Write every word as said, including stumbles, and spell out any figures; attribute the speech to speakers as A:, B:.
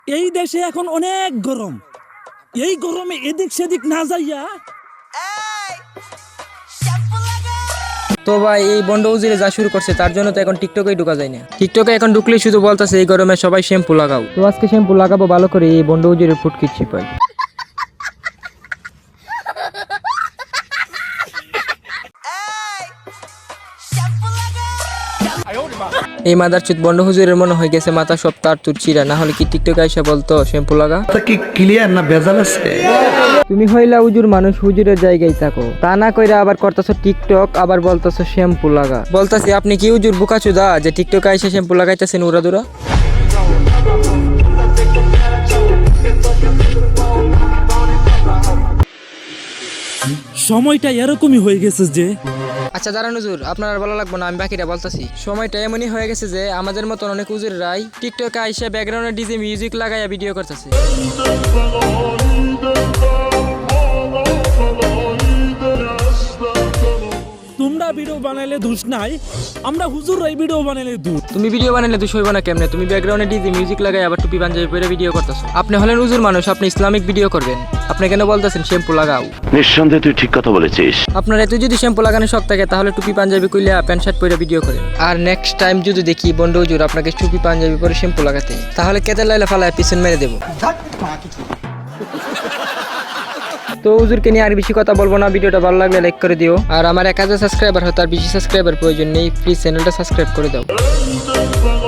A: এই দেশে এখন অনেক গরম, এই গরমে এদিক সেদিক না যাইয়া
B: তো ভাই এই বন্ড উজিরে যা শুরু করছে তার জন্য তো এখন টিকটকেই ঢুকা যায় না। টিকটকে এখন ঢুকলেই শুধু বলতেছে এই গরমে সবাই শ্যাম্পু লাগাও। তো আজকে শ্যাম্পু লাগাবো ভালো করে এই বন্ড উজিরের ফুটকিচ্ছি পাই। এই মাদারচুত বন্ড হুজুরের মনে হয়ে গেছে মাথা সব তার তুর চিরা, না হলে কি টিকটকে এসে বলতো শ্যাম্পু লাগা।
C: কি ক্লিয়ার না ভেজাল আছে?
B: তুমি হইলা হুজুর মানুষ, হুজুরের জায়গায় থাকো, তা না কইরা আবার করতেছো টিকটক, আবার বলতেছো শ্যাম্পু লাগা। বলতাছি আপনি কি হুজুর বুকাচুদা যে টিকটকে এসে শ্যাম্পু লাগাইতেছেন উড়াদুরা?
A: সময়টা এরকমই হয়ে গেছে যে
B: আচ্ছা দাঁড়ান হুজুর, আপনার আর ভালো লাগবে না, আমি বাকিটা বলতাছি। সময়টা এমনই হয়ে গেছে যে আমাদের মতন অনেক হুজুররাই টিকটকে আইসা ব্যাকগ্রাউন্ডে ডিজে মিউজিক লাগাইয়া ভিডিও করতেছে।
A: তোমরা ভিডিও বানাইলে দোষ নাই, আমরা হুজুররাই ভিডিও বানাইলে দোষ।
B: তুমি ভিডিও বানাইলে দুশ হইব না কেমনে? তুমি ব্যাকগ্রাউন্ডে ডিজে মিউজিক লাগাই আবার টুপি পাঞ্জাবি পরে ভিডিও করতেছো। আপনি হলেন হুজুর মানুষ, আপনি ইসলামিক ভিডিও করবেন, আপনি কেন বলতেছেন শ্যাম্পু লাগাও?
D: নিঃসন্দেহে তুই ঠিক কথা বলেছিস।
B: আপনার এত যদি শ্যাম্পু লাগানোর শখ থাকে তাহলে টুপি পাঞ্জাবি কইলা প্যান্ট শার্ট পরে ভিডিও করেন। আর নেক্সট টাইম যদি দেখি বন্ড হুজুর আপনাকে টুপি পাঞ্জাবি পরে শ্যাম্পু লাগাতে, তাহলে কেটে লাইলা ফালায় পিছন মেরে দেবো। তো হুজুরকে নিয়ে আর বেশি কথা বলবো না, ভিডিওটা ভালো লাগলে লাইক করে দিও। আর আমার এক হাজার সাবস্ক্রাইবার হয়, তার বেশি সাবস্ক্রাইবার প্রয়োজন নেই, প্লিজ চ্যানেলটা সাবস্ক্রাইব করে দাও।